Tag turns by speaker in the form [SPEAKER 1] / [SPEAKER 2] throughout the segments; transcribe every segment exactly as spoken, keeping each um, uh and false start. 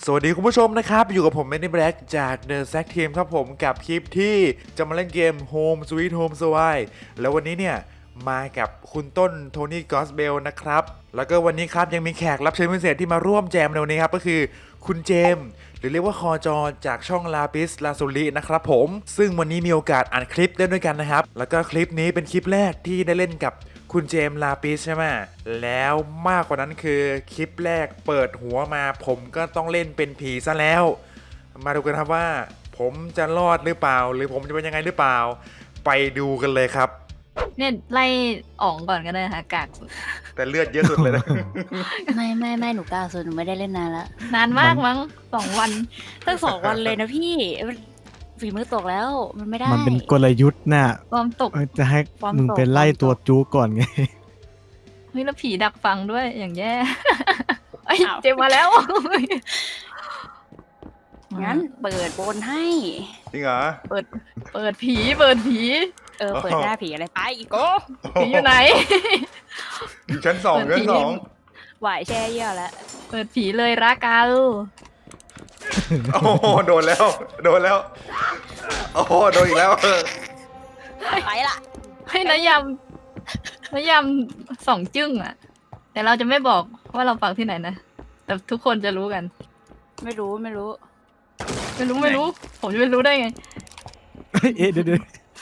[SPEAKER 1] สวัสดีคุณผู้ชมนะครับอยู่กับผมแมนนี่แบล็กจาก The Zack Team ครับผมกับคลิปที่จะมาเล่นเกม Home Sweet Home Sway แล้ววันนี้เนี่ยมากับคุณต้นโทนี่กอสเบลนะครับแล้วก็วันนี้ครับยังมีแขกรับเชิญพิเศษที่มาร่วมแจมในวันนี้ครับก็คือคุณเจมส์หรือเรียกว่าคอจอจากช่องลาปิสลาซูรินะครับผมซึ่งวันนี้มีโอกาสอ่านคลิปเล่นด้วยกันนะครับแล้วก็คลิปนี้เป็นคลิปแรกที่ได้เล่นกับคุณเจมส์ลาปิสใช่ไหมแล้วมากกว่านั้นคือคลิปแรกเปิดหัวมาผมก็ต้องเล่นเป็นผีซะแล้วมาดูกันครับว่าผมจะรอดหรือเปล่าหรือผมจะเป็นยังไงหรือเปล่าไปดูกันเลยครับ
[SPEAKER 2] เนี่ยไล่อ่องก่อนก็ได้ค่ะกากสุด
[SPEAKER 1] แต่เลือดเยอะสุดเลยนะ
[SPEAKER 3] ไม่ไม่ไม่หนูกล้าสุดหนูไม่ได้เล่นนานแล้ว
[SPEAKER 2] นานมากมั้งสองวัน
[SPEAKER 3] ตั้งสองวันเลยนะพี่ฝีมือตกแล้วมันไม่ได้
[SPEAKER 4] มันเป็นกลยุทธ์น่ะ
[SPEAKER 2] ความตก
[SPEAKER 4] จะให้มึงเป็นไล่ตัวจูก่อนไง
[SPEAKER 2] เฮ้ยแล้วผีดักฟังด้วยอย่างแย่ไอ้เจมมาแล้ว
[SPEAKER 3] งั้นเปิดบนให้
[SPEAKER 1] จริงเหรอ
[SPEAKER 2] เปิดเปิดผีเปิดผี
[SPEAKER 3] เออเปิดหน้าผีอะไรไปอีกโก้
[SPEAKER 2] ผีอยู่ไหน
[SPEAKER 1] อยู่ชั้นสองชั้นสอง
[SPEAKER 3] ไหวแช่เยี่ยวแล้ว
[SPEAKER 2] เปิดผีเลยรักกัน
[SPEAKER 1] โอ้โหโดนแล้วโดนแล้วโอ้โหโดนอีกแล้ว
[SPEAKER 3] ไปละ
[SPEAKER 2] ให้นายำนายำสองจึ้งอ่ะแต่เราจะไม่บอกว่าเราปักที่ไหนนะแต่ทุกคนจะรู้กัน
[SPEAKER 3] ไม่รู้ไม่รู้
[SPEAKER 2] ไม่รู้ไม่รู้ผมจะไม่รู้ได้ไง
[SPEAKER 4] เอ๊ะเดี๋ยว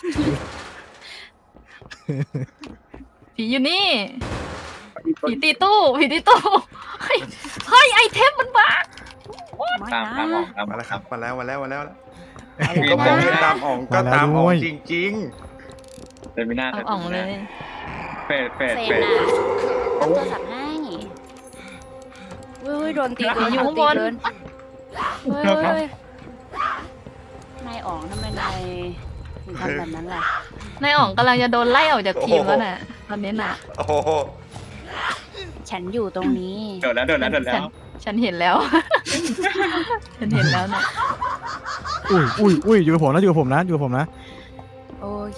[SPEAKER 2] ผีอยู่นี่ผีตีตู้ผีตีตู้เฮ้ยเฮ้ยไอเทมมันบ้า
[SPEAKER 3] ตามตาม
[SPEAKER 1] ออกมาแล้วครับมาแล้วมาแล้วมาแล้วก็บอกให้ตามอ่องก็ตามอ่องจริง
[SPEAKER 5] ๆเป็นไม่น่า
[SPEAKER 2] ตามอ่องเลย
[SPEAKER 5] เฟดเฟดเฟด
[SPEAKER 3] รับโทรศัพท์ให้เว้ยโดนตีโดน
[SPEAKER 2] อยู่ข้างบน
[SPEAKER 3] เฮ้ยนายอ๋องทำไมนายถึงทำแบบนั้นล่ะ
[SPEAKER 2] นายอ๋องกำลังจะโดนไล่ออกจากทีมแล้วน่ะตอนนี้น่ะ
[SPEAKER 1] โอ้โห
[SPEAKER 3] ฉันอยู่ตรงนี้
[SPEAKER 5] โดนแล้วโดนแล้วโดนแล้ว
[SPEAKER 2] ฉันเห็นแล้วฉันเห็นแล้วนะ
[SPEAKER 4] อุ้ยอุ้ยอุ้ยอยู่กับผมนะอยู่กับผมนะอยู่กับผมนะ
[SPEAKER 3] โอเค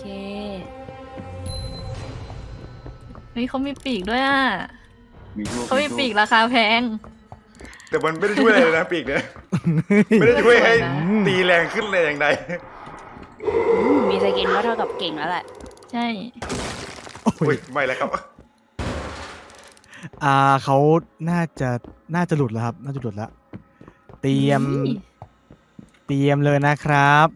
[SPEAKER 2] เฮ้ยเขามีปีกด้วยอ่ะเขามีปีกราคาแพง
[SPEAKER 1] แต่มันไม่ได้ช่วยอะไรเลยนะปีกเนี่ยไม่ได้ช่วยให้ตีแรงขึ้นเลยอย่างใด
[SPEAKER 3] มีสกินก็เท่ากับเก่งแล้วแหละ
[SPEAKER 2] ใช่
[SPEAKER 1] โอ้ยไม่แล้วครับ
[SPEAKER 4] อ่าเขาน่าจะน่าจะหลุดแล้วครับน่าจะหลุดแล้วเตรียมเตรียมเลยนะครับ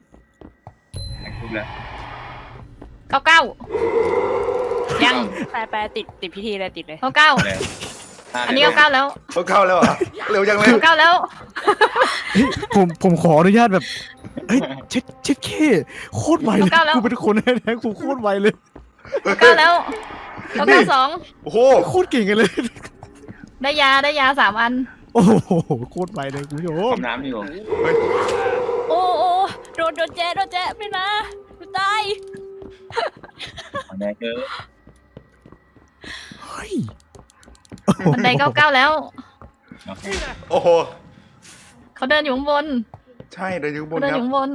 [SPEAKER 2] เก้าเก้ายัง
[SPEAKER 3] แปลแปลติดติดพิธีอะไรติดเลย
[SPEAKER 2] เก้าเก้าอันนี้เก้าเก้าแล้ว
[SPEAKER 1] เก้าเก้าแล้วเหรอเร็วจังเลย
[SPEAKER 2] เก้าเก้าแล้ว
[SPEAKER 4] ผมผมขออนุญาตแบบเฮ้ยเช็ดเช็ดเคโคตรไวเลยกูเป็นคนแท้ๆกูโคตรไวเลย
[SPEAKER 2] เก้าแล้วเก้าเก้าสอง
[SPEAKER 1] โอ้โห
[SPEAKER 4] โคตรเก่งกันเลย
[SPEAKER 2] ได้ยาได้ยาสามอัน
[SPEAKER 4] โอ้โหโคตรไวเลยคุณผู้ชม
[SPEAKER 5] น้ำอยู่
[SPEAKER 3] โอ้โอ้โดนโดนแจ๊โดนแจ๊ไม่นะตาย
[SPEAKER 5] แน่เกิน
[SPEAKER 4] เฮ้ย
[SPEAKER 2] บันไดเก้าเก้าแล้ว
[SPEAKER 1] โอ้โห
[SPEAKER 2] เขาเดินอยู่ข้างบน
[SPEAKER 1] ใช่เดินอยู่บน
[SPEAKER 2] เดินอยู่ข้างบน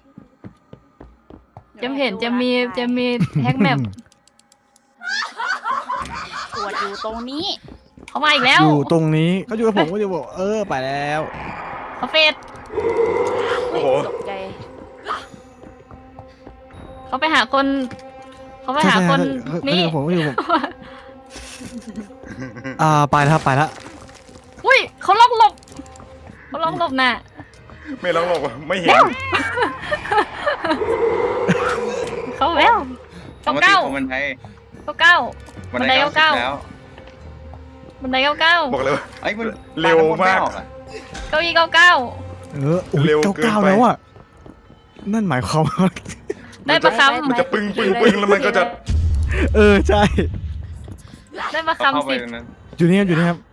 [SPEAKER 2] จะเห็นจะมีจะมีแฮกแมป
[SPEAKER 3] ปวดอยู่ตรงนี้
[SPEAKER 2] เขามาอีกแล้ว
[SPEAKER 4] อยู่ตรงนี้เขาอยู่กับผมก็จะบอกเออไปแล้ว
[SPEAKER 2] เขาเฟด
[SPEAKER 1] โอ้โห
[SPEAKER 3] ตกใจ
[SPEAKER 2] เขาไปหาคนเขาไปหาคนนี่
[SPEAKER 4] ผมก็อยู่ผมอ่าไปแล้วครับไปแล้ว
[SPEAKER 2] อุ้ยเขาล็อกหลบเขาล็อกหลบน่ะ
[SPEAKER 1] ไม่ล็อกหลบไม่เห็น
[SPEAKER 2] เขาแล้วเก้าเก้า
[SPEAKER 5] บันได
[SPEAKER 2] เก้าเก้าบันไดเก้าเก้าบันไดเก้าเก้า
[SPEAKER 1] บอกเลย
[SPEAKER 5] ไอ้มัน
[SPEAKER 1] เร็วมาก
[SPEAKER 2] เก้าอี้เก้าเก้า
[SPEAKER 4] เออเร็วเก้าเก้าแล้วอ่ะนั่นหมายความว่า
[SPEAKER 2] ได้ประคำ
[SPEAKER 1] มันจะปึ้งปึ้งปึ้งแล้วมันก็จะ
[SPEAKER 4] เออใช่
[SPEAKER 2] ได้ประคำสิ
[SPEAKER 4] อยู่นี่ครับอยู่นี่ครับ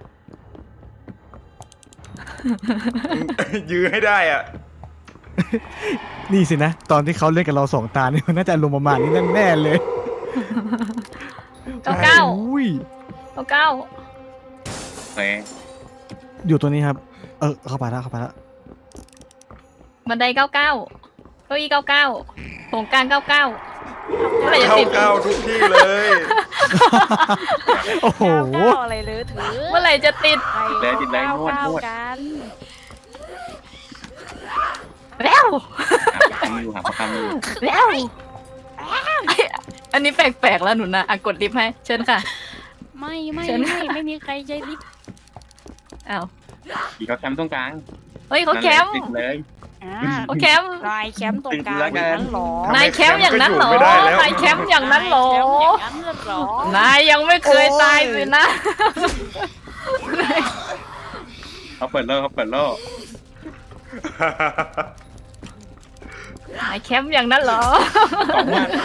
[SPEAKER 1] ยื้อให้ได้อ่ะ
[SPEAKER 4] นี่สินะตอนที่เขาเล่นกับเราสองตาเนี่ยมันน่าจะลงประมาณนี้แน่เลย
[SPEAKER 2] เก้าเก้าเก้าเก้า
[SPEAKER 4] อยู่ตัวนี้ครับเออเข้าไปแล้วเข้าไปแล้ว
[SPEAKER 2] บันไดเก้าเก้าเก้าอี้เก้าเก้าโครงการเก้าเก้า
[SPEAKER 1] เมื่อไหร่จะติดเก้าทุกที่เลย
[SPEAKER 4] โอ้โห
[SPEAKER 3] อะไรเลยถือ
[SPEAKER 2] เมื่อไหร่จะติด
[SPEAKER 5] แล้วติดแรงนวดนวดำอยู่หาประคำอยู่
[SPEAKER 2] แล้ว อันนี้แปลกๆแล้วหนูนะอ่ะกดลิฟต์ให้เชิญค่ะ
[SPEAKER 3] ไม่ไม่
[SPEAKER 2] เชิญ
[SPEAKER 3] ไม่ไม่มีใครใจลิฟต์
[SPEAKER 2] อ้าว
[SPEAKER 5] อีกเขาแคมป์ตรงกลาง
[SPEAKER 2] เฮ้ยเขาแคมป์
[SPEAKER 5] ติดเลย
[SPEAKER 3] อ่า
[SPEAKER 2] เขาแคมป์
[SPEAKER 3] นายแคมป์ตรงกลาง
[SPEAKER 5] ติดแล้ว
[SPEAKER 3] อ
[SPEAKER 5] กัน
[SPEAKER 3] ย่างนั้นเหรอน
[SPEAKER 2] ายแคมป์อย่างนั้นเหรอ
[SPEAKER 1] ไม่ได้แล้ว
[SPEAKER 2] นายแคมป์อย่างนั้นเหรอ
[SPEAKER 3] นายแคมป์อย่างนั้นเหรอน
[SPEAKER 2] ายยังไม่เคยตายเลยนะ
[SPEAKER 5] เขาเปิดโลกเขาเปิดโลก
[SPEAKER 2] นายแคมป์อย่างนั้นเหรอ
[SPEAKER 5] สองมัด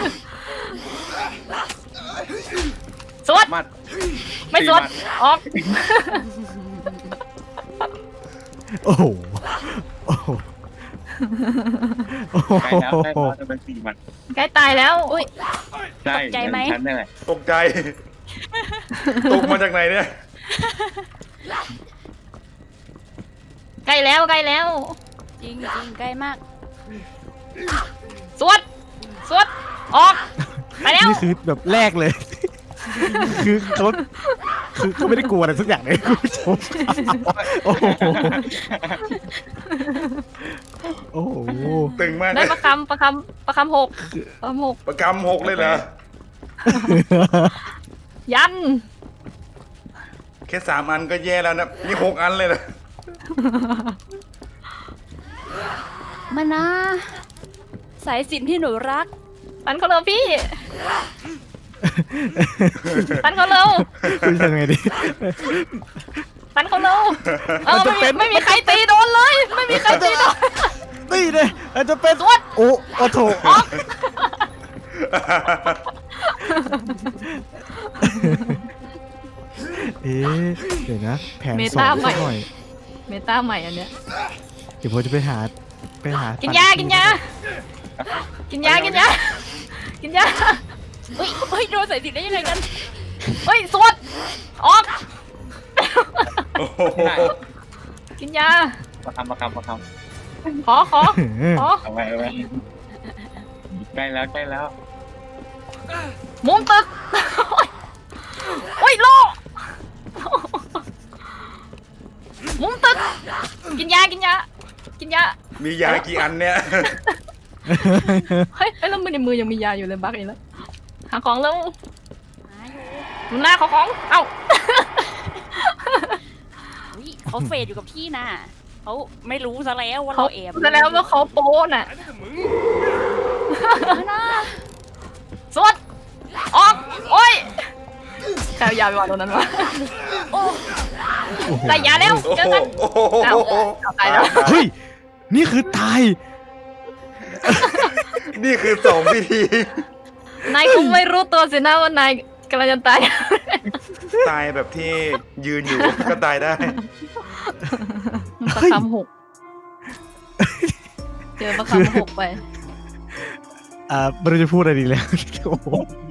[SPEAKER 2] สวด
[SPEAKER 5] มัด
[SPEAKER 2] ไม่สวด
[SPEAKER 5] สี่มั
[SPEAKER 2] ออก
[SPEAKER 4] โอ้โหโอ้โหโอ้โห
[SPEAKER 5] ใกล้แล้วใกล้แล้วจะเป็นสี่มัด
[SPEAKER 2] ใกล้ตายแล้วอุ้ย
[SPEAKER 5] ใช่ชั้นนี่แหละ
[SPEAKER 1] ตกใจ ตกมาจากไหนเนี่ย
[SPEAKER 2] ใกล้แล้วใกล้แล้ว
[SPEAKER 3] จริงจริงใกล้มาก
[SPEAKER 2] สวดสวดออกไปแล้ว
[SPEAKER 4] นี่คือแบบแรกเลย คือเขาคือเขาไม่ได้กลัวอะไรสักอย่างเลยคุณผู้ชมโอ้โหโอ้โห
[SPEAKER 1] ตึงมากเล
[SPEAKER 2] ได้
[SPEAKER 1] ย
[SPEAKER 2] ประคำประคำประคำหกประคำหก
[SPEAKER 1] ประกำหกเลยเหรอ
[SPEAKER 2] ยัน
[SPEAKER 1] แค่สามอันก็แย่แล้วนะนี่หกอันเลยเหรอ
[SPEAKER 3] มานะสายสิญจนที่หนูรัก
[SPEAKER 2] ปันเขาเร็วพี่ปันเขาเร็ว
[SPEAKER 4] คุณทำไงดี
[SPEAKER 2] ปันเขาเร็วเออ
[SPEAKER 4] มันจะ
[SPEAKER 2] ไม่
[SPEAKER 4] เป็
[SPEAKER 2] มี
[SPEAKER 4] น
[SPEAKER 2] ไม่มีใครตีโดนเลย ไม่มีใครตีโดน
[SPEAKER 4] นี่เลยอาจจะเป็น
[SPEAKER 2] สวด
[SPEAKER 4] โอ้โอ้โถเอ๊ะเดี๋ยวนะแผน
[SPEAKER 2] เม
[SPEAKER 4] สอ
[SPEAKER 2] ตาง ใหม่
[SPEAKER 4] สักหน่อย
[SPEAKER 2] เมตาใหม่อันเนี้ย
[SPEAKER 4] เดี๋ยวผมจะไปหาไปหา
[SPEAKER 2] กิ
[SPEAKER 4] กิ
[SPEAKER 2] นยากินยากินยากินยากินยา
[SPEAKER 3] เฮ้ยเฮ้ยโดนสายสิญจนได้ยังไงกัน
[SPEAKER 2] เฮ้ยสวดออก
[SPEAKER 1] โอ้โห
[SPEAKER 2] กินยา
[SPEAKER 5] ประคำประคำประค
[SPEAKER 2] ขอขอขอ
[SPEAKER 5] ำเอาไว้เอาไว้ใกล้แล้วใกล้แล้ว
[SPEAKER 2] มุมตึกโอ้ยโลมุมตึกกินยากินยากินยา
[SPEAKER 1] มียากี่อันเนี่ย
[SPEAKER 2] เฮ้ยเฮ้ยแล้วมือในมือยังมียาอยู่เลยบักอีกแล้วหาของแล้ว
[SPEAKER 3] หาอยู่
[SPEAKER 2] ดูหน้าเขาของเอ้า
[SPEAKER 3] เฮ้ยเขาเฟดอยู่กับที่นะเขาไม่รู้ซะแล้วว่า
[SPEAKER 2] เขา
[SPEAKER 3] เราแอบ
[SPEAKER 2] แสดงว่าเขาโป้น่ะ
[SPEAKER 3] มานะ
[SPEAKER 2] สวดออกโอ้ยใครเอายาไปวางตรงนั้นวะ
[SPEAKER 3] โอ้
[SPEAKER 4] โอ้โห
[SPEAKER 2] ใส่ยาเร็ว
[SPEAKER 1] โอ้
[SPEAKER 2] เจอ
[SPEAKER 1] โห
[SPEAKER 2] กัน
[SPEAKER 1] โอ้โห
[SPEAKER 2] เอาเอาตายแล้ว
[SPEAKER 4] เฮ้ยนี่คือตาย
[SPEAKER 1] นี่คือสองพิธี
[SPEAKER 2] นายคงไม่รู้ตัวสินะว่านายกำลังจะตาย
[SPEAKER 1] ตายแบบที่ยืนอยู่ก็ตายได้
[SPEAKER 2] ประคำหกเจอประคำหกไป
[SPEAKER 4] อ่าไม่รู้จะพูดอะไรดีแล้วโอ้โห